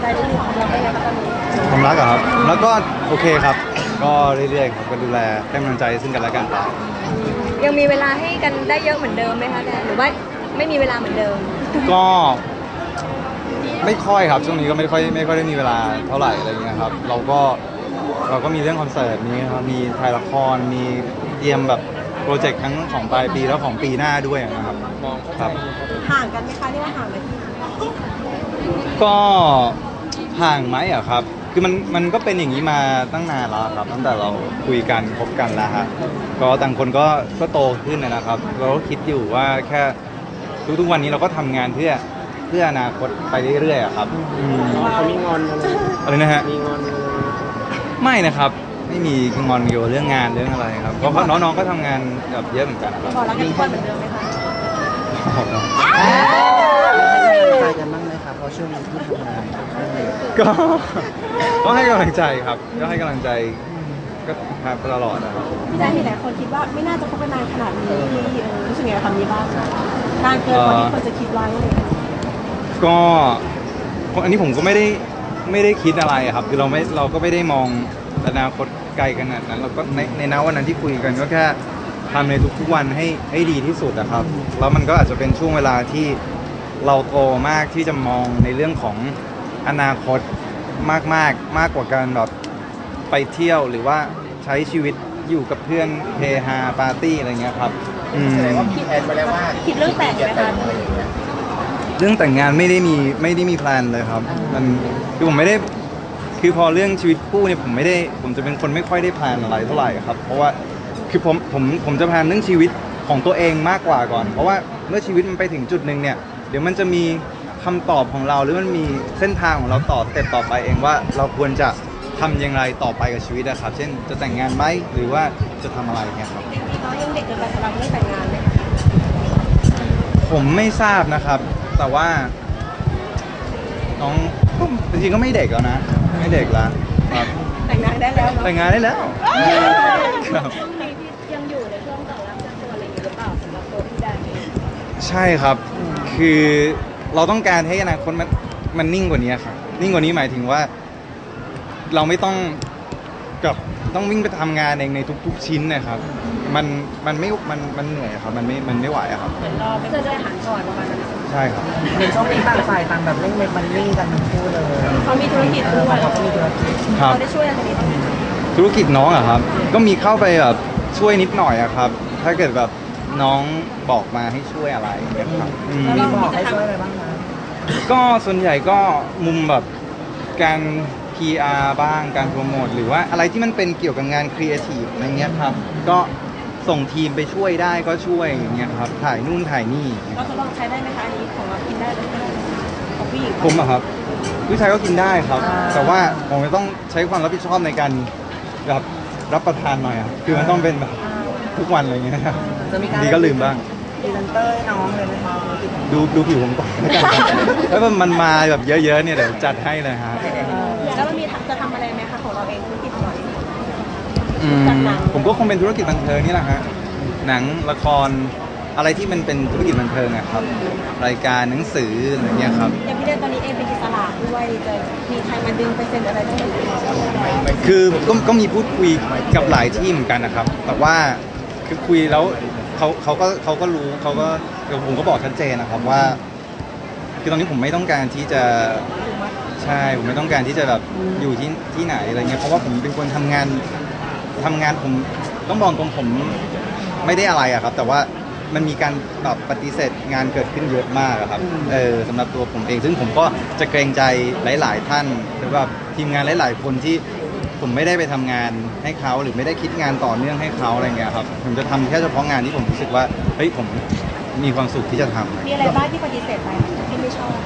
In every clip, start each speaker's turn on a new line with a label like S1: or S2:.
S1: นิดนึงของเราเป็นไงบ้างตอนนี้
S2: ความรักอะครับแล้วก็โอเคครับก็เรื่อยๆครับก็ดูแลให้กำลังใจซึ่งกันและกันไป
S1: ยังมีเวลาให้กันได้เยอะเหมือนเดิมไหมคะแดนหรือว่าไม่มีเวลาเหมือนเดิม
S2: ก็ไม่ค่อยครับช่วงนี้ก็ไม่ค่อยได้มีเวลาเท่าไหร่อะไรเงี้ยครับเราก็มีเรื่องคอนเสิร์ตนี้ครับมีถ่ายละครมีเตรียมแบบโปรเจกต์ทั้งของปลายปีแล้วของปีหน้าด้วยนะครับครับ
S1: ห่างกันไหมคะเรียกว่าห่างไหม
S2: ก็ห่างไหมอะครับคือมันก็เป็นอย่างนี้มาตั้งนานแล้วครับตั้งแต่เราคุยกันคบกันแล้วฮะก็ต่างคนก็โตขึ้นนะครับเราก็คิดอยู่ว่าแค่ทุกวันนี้เราก็ทำงานเพื่ออนาคตไปเรื่อยๆอะครับ
S3: เขามีงอน
S2: อะไรนะฮะ
S3: มีงอน
S2: ไม่นะครับไม่มีงอนเกี่ยวกับเรื่องงานเรื่องอะไรครับเพราะน้องๆก็ทำงานแบบเยอะเหมือนกันครับ
S1: พอรักกันทุกคนเหมือนเดิมไหมคะ
S3: ใจกันบ้างไหมครับเพราะช่วงนี้ที่ทำงาน
S2: ก็ให้กำลังใจครับก็ให้กำลังใจก็ครับตลอดนะครับ
S1: พี่ได้มีหลายคนคิดว่าไม่น่าจะคบกันนานขนาดนี้ที่รู้สึกไงกับคำนี้บ้างนานเกินกว่าที่คนจะคิดไว้
S2: ก็อันนี้ผมก็ไม่ได้คิดอะไรครับคือเราก็ไม่ได้มองอนาคตไกลขนาดนั้นเราก็ในณวันนั้นที่คุยกันก็แค่ทำในทุกๆวันให้ดีที่สุดนะครับแล้วมันก็อาจจะเป็นช่วงเวลาที่เราโตมากที่จะมองในเรื่องของอนาคตมากกว่าการแบบไปเที่ยวหรือว่าใช้ชีวิตอยู่กับเพื่อนเฮฮาปาร์ตี้อะไรเงี้ยครับ
S3: แสดงว่าพี่แอนมาแล้วว่า
S1: คิดเรื่องแต่งไหมคะ
S2: เรื่องแต่งงานไม่ได้มีแพลนเลยครับมันคือผมไม่ได้คือพอเรื่องชีวิตคู่เนี่ยผมจะเป็นคนไม่ค่อยได้แพลนอะไรเท่าไหร่ครับเพราะว่าคือผมจะแพลนเรื่องชีวิตของตัวเองมากกว่าก่อนเพราะว่าเมื่อชีวิตมันไปถึงจุดนึงเนี่ยเดี๋ยวมันจะมีคำตอบของเราหรือมันมีเส้นทางของเราต่อสเต็ปต่อไปเองว่าเราควรจะทำอย่างไรต่อไปกับชีวิตนะครับเช่นจะแต่งงานไหมหรือว่าจะทำอะไรเนี่ยครับ
S1: น้องยังเด็กเกินไปสำหรับเรื่องแต่งงานไหม
S2: ผมไม่ทราบนะครับแต่ว่าน้องจริงๆก็ไม่เด็กแล้วนะไม่เด็กแล้วครับ
S1: แต่งงานได้แล้ว
S2: แต่งงานได้แล้วครับ
S1: ยังอยู่ในช่วงต่อรับตัวอะไรอย่างนี้หรือเปล่าสำหรับตัวพี่แดน
S2: ใช่ครับคือเราต้องการให้อนาคตมันนิ่งกว่านี้ครับนิ่งกว่านี้หมายถึงว่าเราไม่ต้องวิ่งไปทำงานเองในทุกชิ้นนะครับมันเหนื่อยครับมันไม่ไหวครับ
S1: เหมือนรอไม่เคยได้อาหารก่อนประมาณนั้น
S2: ใช่ครับ
S3: ในช่วงนี้ต่างฝ่ายต่างแบบเร่งมันนิ่งกันทั้งคู่เลย
S1: เขามีธุรกิจด้วย
S3: เขามีธุรกิจ
S1: เขาได้ช่วยอะไรนี้บ้าง
S2: ธุรกิจน้องอะครับก็มีเข้าไปแบบช่วยนิดหน่อยอะครับถ้าเกิดแบบน้องบอกมาให้ช่วยอะไรอย่างเงี้ยครับ
S3: มีบอกให้ช่วยอะไรบ้างคะ
S2: ก็ส่วนใหญ่ก็มุมแบบการ PR บ้างการโปรโมทหรือว่าอะไรที่มันเป็นเกี่ยวกับงานครีเอทีฟอะไรเงี้ยครับก็ส่งทีมไปช่วยได้ก็ช่วยอย่างเงี้ยครับถ่ายนู่นถ่ายนี่
S1: เราจะลองใช้ได้ไหมคะอันนี้ของเรากินได้หรือไม่ได้ของผู้หญิง
S2: ผมอะครับผู้ชายก็กินได้ครับแต่ว่าผมจะต้องใช้ความรับผิดชอบในการแบบรับประทานหน่อยอะคือมันต้องเป็นแบบทุกวันอะไรเงี้ยครับดีก็ลืมบ้าง
S3: ดีลันเตอร์น้องเลยไหมคะ
S2: ดูผิวผมก่อนแล้วมันมาแบบเยอะๆเนี่ยเดี๋ยวจัดให้เลยฮะ
S1: แล้วมันมีจะทำอะไรไหมคะของเราเองธุรกิจของเราเอง
S2: ผมก็คงเป็นธุรกิจบันเทิงนี่แหละฮะหนังละครอะไรที่มันเป็นธุรกิจบันเทิงอะครับรายการหนังสืออะไรเงี้ยครับ
S1: อย่างพี่เดนตอนนี้เองเป็นอิสระด้วยจะมีใครมาดึงไปเซ็นอะไรบ้างไหม
S2: คือก็มีพูดคุยกับหลายที่เหมือนกันนะครับแต่ว่าคือคุยแล้วเขาก็รู้ผมก็บอกชัดเจนนะครับว่าคือตอนนี้ผมไม่ต้องการที่จะใช่ผมไม่ต้องการที่จะแบบอยู่ที่ไหนอะไรเงี้ยเพราะว่าผมเป็นคนทำงานผมต้องบอกตรงผมไม่ได้อะไรอะครับแต่ว่ามันมีการแบบปฏิเสธงานเกิดขึ้นเยอะมากครับสำหรับตัวผมเองซึ่งผมก็จะเกรงใจหลายๆท่านหรือว่าทีมงานหลายๆคนที่ผมไม่ได้ไปทำงานให้เขาหรือไม่ได้คิดงานต่อเนื่องให้เขาอะไรเงี้ยครับผมจะทำแค่เฉพาะงานที่ผมรู้สึกว่าเฮ้ยผมมีความสุขที่จะทำ
S1: มีอะไรบ้างที่ปฏิเสธไปที่ไม่ชอบ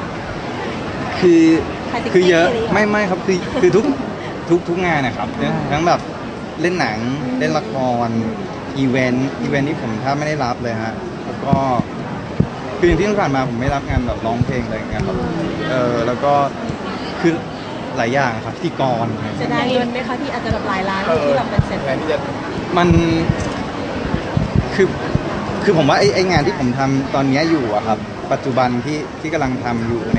S2: คือเยอะไม่ครับคือทุกงานนะครับทั้งแบบเล่นหนังเล่นละครอีเวนต์ที่ผมถ้าไม่ได้รับเลยฮะแล้วก็คือที่ผ่านมาผมไม่รับงานแบบร้องเพลงอะไรอย่างเงี้ยครับแล้วก็คือหลายอย่างครับพิธีกร
S1: จะได้เงินไหมคะที่อาจจะแบบหลายล้านที่แบบเป็นเสร็จ
S2: มันคือผมว่าไอ้งานที่ผมทำตอนนี้อยู่อะครับปัจจุบันที่กำลังทำอยู่เนี่ย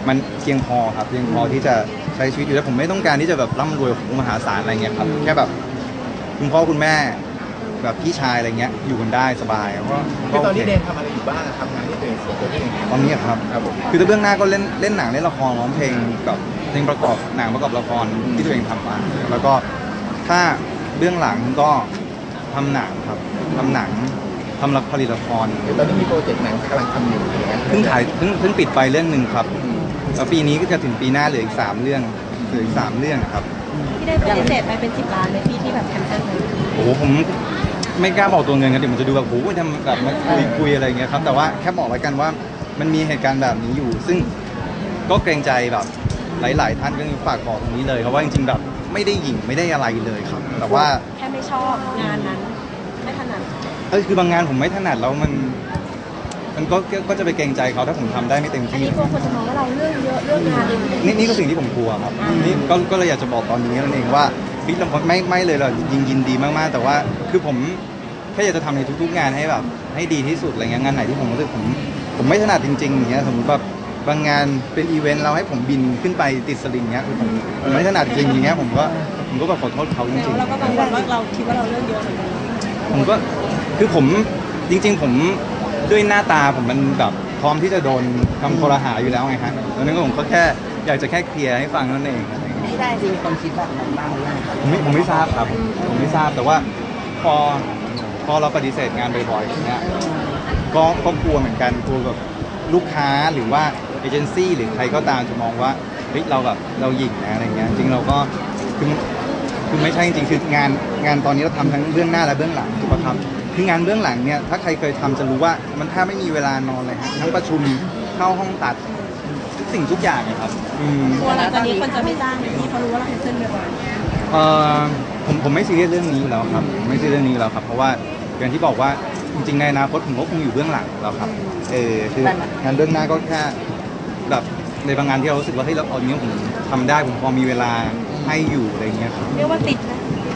S2: มันเพียงพอครับเพียงพอที่จะใช้ชีวิตอยู่แล้วผมไม่ต้องการที่จะแบบร่ำรวยมหาศาลอะไรเงี้ยครับแค่แบบคุณพ่อคุณแม่แบบพี่ชายอะไรเงี้ยอยู่กันได้สบายก็
S4: คือตอนนี้
S2: โค
S4: เดนทำอะไรอยู่บ้างอะครับงานที่ตัวเองส่วนตัวที่เอง
S2: ตอนนี้ครับ
S4: ครับผม
S2: คือถ้าเบื้องหน้าก็เล่นหนังเล่นละครร้องเพลงกับเพลงประกอบหนังประกอบละครที่ตัวเองทำมาแล้วก็ถ้าเบื้องหลังก็ทำหนังครับทำหนังทำผลิตละคร
S4: คือตอนนี้มีโปรเจกต์หนังกำลังทำอยู่อย่างเงี้ย
S2: เพิ่งปิดไปเรื่องหนึ่งครับแล้วปีนี้ก็จะถึงปีหน้าเหลืออีก3 เรื่องเหลืออีก3 เรื่องครับ
S1: ที่ได้ปฏิเสธไปเป็น10 ล้านเลยพี่ที่แบบแคนเซิลเลย
S2: โอ้โหผมไม่กล้าบอกตัวเงินกันเดี๋ยวมันจะดูแบบโอ้โหทำแบบมาคุยอะไรอย่างเงี้ยครับแต่ว่าแค่บอกไว้กันว่ามันมีเหตุการณ์แบบนี้อยู่ ซึ่งก็เกรงใจแบบหลาย ๆ ท่านก็ฝากบอกตรงนี้เลยเพราะว่าจริงๆแบบไม่ได้หยิ่งไม่ได้อะไรเลยครับ แต่ว่า
S1: แค่ไม่ชอบงานนั้นไม่ถนัด
S2: คือบางงานผมไม่ถนัดแล้วมันก็จะไปเกรงใจเขาถ้าผมทำได้ไม่เต็ม
S1: อัน
S2: ที่
S1: นี้กลัวคนจะมองว่าเราเรื่องเยอะเรื่องงานเลย
S2: นี่ก็สิ่งที่ผมกลัวครับนี่ก็เลยอยากจะบอกตอนนี้นั่นเองว่าบิ๊กลำพนไม่เลยเรายินดีมากๆแต่ว่าคือผมแค่อยากจะทำในทุกๆงานให้แบบให้ดีที่สุดอะไรเงี้ยงานไหนที่ผมรู้สึกผมไม่ถนัดจริงๆอย่างเงี้ยสมมติแบบบางงานเป็นอีเวนต์เราให้ผมบินขึ้นไปติดสลิงเงี้ยคือผมไม่ถนัดจริงอย่างเงี้ยผมก็แบบขอโทษเขาจริง
S1: แล้วเราก็กังวลว่าเราคิดว่าเราเรื่องเยอะเหมือนกัน
S2: ผมก็คือผมจริง ๆ ผมด้วยหน้าตาผมมันแบบพร้อมที่จะโดนคำคอรหาอยู่แล้วไงฮะดังนั้นก็ผมก็แค่อยากจะแค่เคลียร์ให้ฟังนั่นเองอะไรเงี้ย
S3: ที่ได้จริงมีคนคิดแบบนั้นบ้างหรือยังครับ
S2: ผมไม่ทราบครับผมไม่ทราบแต่ว่าพอเราปฏิเสธงานบ่อยๆอย่างเงี้ยก็กลัวเหมือนกันกลัวแบบลูกค้าหรือว่าเอเจนซี่หรือใครก็ตามจะมองว่าเฮ้ยเราแบบเราหยิ่งนะอะไรเงี้ยจริงเราก็คือไม่ใช่จริงๆคืองานตอนนี้เราทำทั้งเบื้องหน้าและเบื้องหลังถูกป่ะครับคืองานเบื้องหลังเนี่ยถ้าใครเคยทำจะรู้ว่ามันแทบไม่มีเวลานอนเลยฮะทั้งประชุมเข้าห้องตัดทุกสิ่งทุกอย่างเลยครับ
S1: กลัวหลังจากนี้คนจะไม่จ้างพี่เพราะรู้ว่าเราแคนเซิลบ่อย
S2: เอ่อผมไม่ซีเรียสเรื่องนี้อยู่แล้วครับผมไม่ซีเรียสเรื่องนี้อยู่แล้วครับเพราะว่าอย่างที่บอกว่าจริงๆในอนาคตผมก็คงอยู่เบื้องหลังแล้วครับคืองานเบื้องหน้าก็แค่แบบในบางงานที่เรารู้สึกว่าเฮ้ยเราเอาเนี้ยผมทำได้ผมพอมีเวลาให้อยู่อะไรเงี้ยครับ
S1: เรียกว่าติดนะ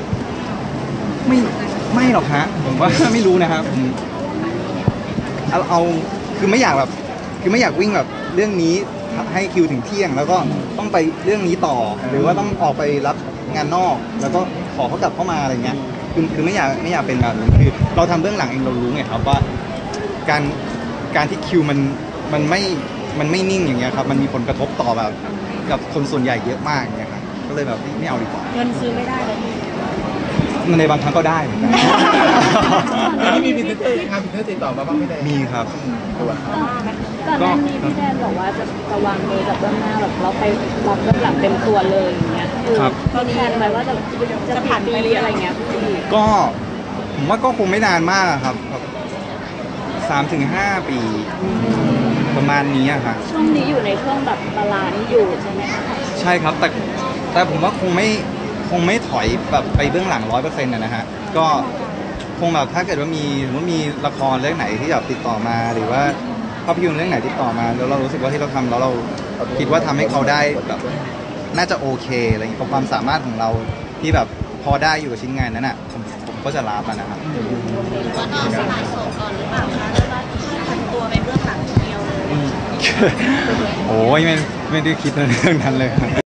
S2: ไม่หรอกฮะผมว่า ไม่รู้นะครับผมเอาคือไม่อยากแบบคือไม่อยากวิ่งแบบเรื่องนี้ให้คิวถึงเที่ยง แล้วก็ต้องไปเรื่องนี้ต่อ หรือว่าต้องออกไปรับงานนอก แล้วก็ขอเขากลับเข้ามาอะไรเงี้ยคือไม่อยากเป็นแบบนี้คือเราทำเบื้องหลังเองเรารู้ไงครับว่าการที่คิวมันไม่นิ่งอย่างเงี้ยครับมันมีผลกระทบต่อแบบกับคนส่วนใหญ่เยอะมากอย่างเงี้ยครับก็เลยแบบไม่เอาดีกว่า
S1: เงินซื้อไม่ได้เลย
S2: ในบางครั้งก็ได้เหมือนกัน
S4: ที่มีพรีเซนเตอร์งานพรีเซนเตอร์ติดต่อมาบ้างไม่ได้
S2: มีครับ
S4: ตัว
S5: ก่อนหน้านี้พี่แดนบอกว่าจะวางมือกับเบื้องหน้าแบบเราไปรับเบื้องหลังเต็มตัวเลยอย่างเงี้ยคือ
S2: ครับ
S5: มีแผนไว้ว่าจะผ่านไปอะไรเงี้ยพี่
S2: ก็ผมว่าก็คงไม่นานมากครับแบบ3 ถึง 5 ปีประมาณนี้อะครับ
S5: ช่วงนี้อยู่ในช่วงแบบบาลานซ์อยู่ใช่ไหมคะ
S2: ใช่ครับแต่ผมว่าคงไม่ถอยแบบไปเบื้องหลัง100%นะฮะก็คงแบบถ้าเกิดว่ามีละครเรื่องไหนที่แบบติดต่อมาหรือว่าภาพยนตร์เรื่องไหนติดต่อมาแล้วเรารู้สึกว่าที่เราทำแล้วเราคิดว่าทำให้เขาได้แบบน่าจะโอเคอะไรอย่างเงี้ยกับความสามารถของเราที่แบบพอได้อยู่กับชิ้นงานนั้นอ่ะผมก็จะรับมันนะครับ
S1: ว่าน้องสลายโสดก่อนหรือเปล่าคะหรือว่าผันตัวไปเบื้องหลังเดียวเลย
S2: โอ้ยไม่ได้คิดเรื่องนั้นเลยครับ